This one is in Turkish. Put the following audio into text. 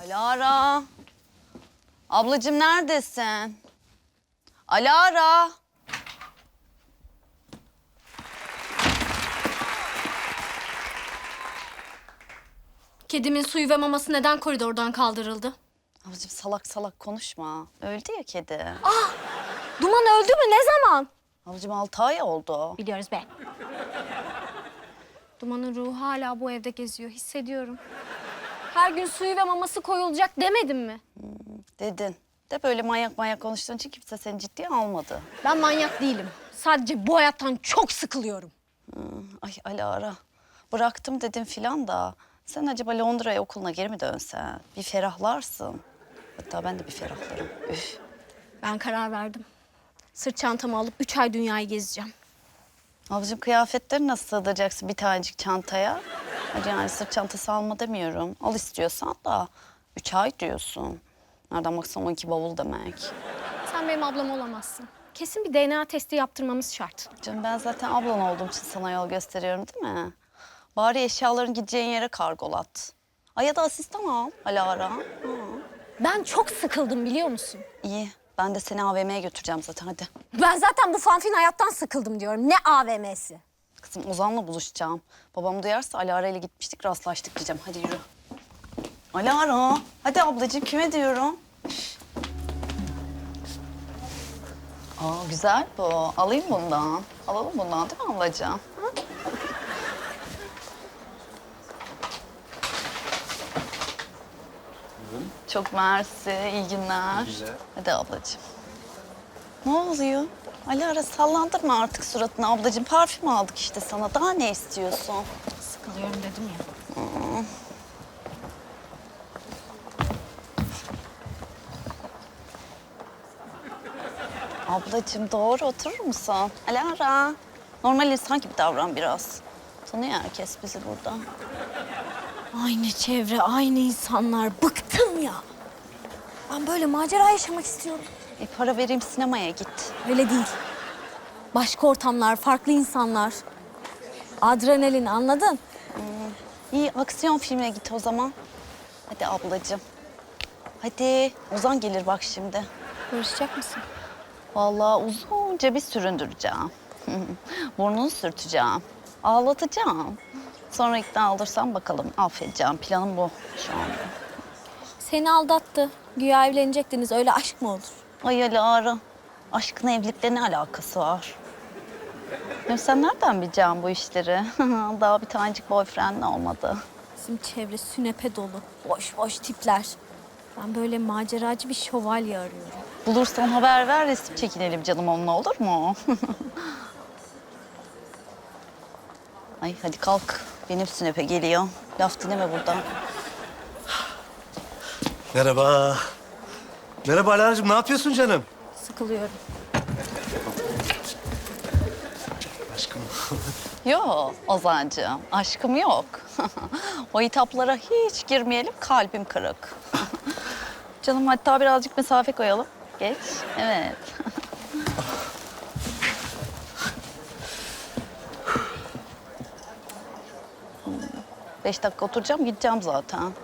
Alara. Ablacığım neredesin? Alara. Kedimin suyu ve maması neden koridordan kaldırıldı? Ablacığım salak salak konuşma. Öldü ya kedi. Duman öldü mü? Ne zaman? Ablacığım 6 ay oldu. Biliyoruz be. Duman'ın ruhu hala bu evde geziyor. Hissediyorum. Her gün suyu ve maması koyulacak demedim mi? Dedin. De böyle manyak manyak konuştuğun için kimse seni ciddiye almadı. Ben manyak değilim. Sadece bu hayattan çok sıkılıyorum. Ay Alara. Bıraktım dedin filan da. Sen acaba Londra'ya okuluna geri mi dönsen? Bir ferahlarsın. Hatta ben de bir ferahlarım. Üf. Ben karar verdim. Sırt çantamı alıp 3 ay dünyayı gezeceğim. Ablacığım kıyafetleri nasıl sığdıracaksın bir tanecik çantaya? Hadi yani sırt çantası alma demiyorum. Al istiyorsan da 3 ay diyorsun. Nereden baksan 12 bavul demek. Sen benim ablam olamazsın. Kesin bir DNA testi yaptırmamız şart. Canım ben zaten ablan olduğum için sana yol gösteriyorum değil mi? Bari eşyaların gideceğin yere kargolat. Ay ya da asistan al Alara. Ben çok sıkıldım biliyor musun? İyi ben de seni AVM'ye götüreceğim zaten hadi. Ben zaten bu fanfin hayattan sıkıldım diyorum. Ne AVM'si? Kızım Ozan'la buluşacağım. Babam duyarsa Alara ile gitmiştik rastlaştık diyeceğim. Hadi yürü. Alara. Hadi ablacığım kime diyorum? Aa güzel bu. Alayım bundan. Alalım bundan değil mi ablacığım? Hı? Çok mersi. İyi günler. Güzel. Hadi ablacığım. Ne oluyor? Alara sallandırma artık suratını ablacığım. Parfüm aldık işte sana. Daha ne istiyorsun? Sıkılıyorum dedim ya. Ablacığım doğru oturur musun? Alara. Normal insan gibi davran biraz. Tanıyor herkes bizi burada. Aynı çevre, aynı insanlar. Bıktım ya. Ben böyle macera yaşamak istiyorum. Para vereyim sinemaya git. Öyle değil. Başka ortamlar, farklı insanlar. Adrenalin anladın? İyi aksiyon filmine git o zaman. Hadi ablacığım. Hadi. Ozan gelir bak şimdi. Barışacak mısın? Vallahi uzunca bir süründüreceğim. Burnunu sürteceğim. Ağlatacağım. Sonra ikna olursam bakalım affedeceğim. Planım bu şu anda. Seni aldattı. Güya evlenecektiniz. Öyle aşk mı olur? Ay Alara. Aşkın evlilikle ne alakası var? Ya sen nereden bileceksin bu işleri? Daha bir tanecik boyfriend olmadı. Bizim çevre sünepe dolu. Boş boş tipler. Ben böyle maceracı bir şövalye arıyorum. Bulursan haber ver, resim çekinelim canım onunla olur mu? Ay hadi kalk. Benim sünepe geliyor. Laf dinleme buradan. Merhaba. Merhaba Alara'cığım, ne yapıyorsun canım? Sıkılıyorum. Aşkım. Yok Ozancığım, aşkım yok. O hitaplara hiç girmeyelim, kalbim kırık. Canım hatta birazcık mesafe koyalım. Geç, evet. 5 dakika oturacağım, gideceğim zaten.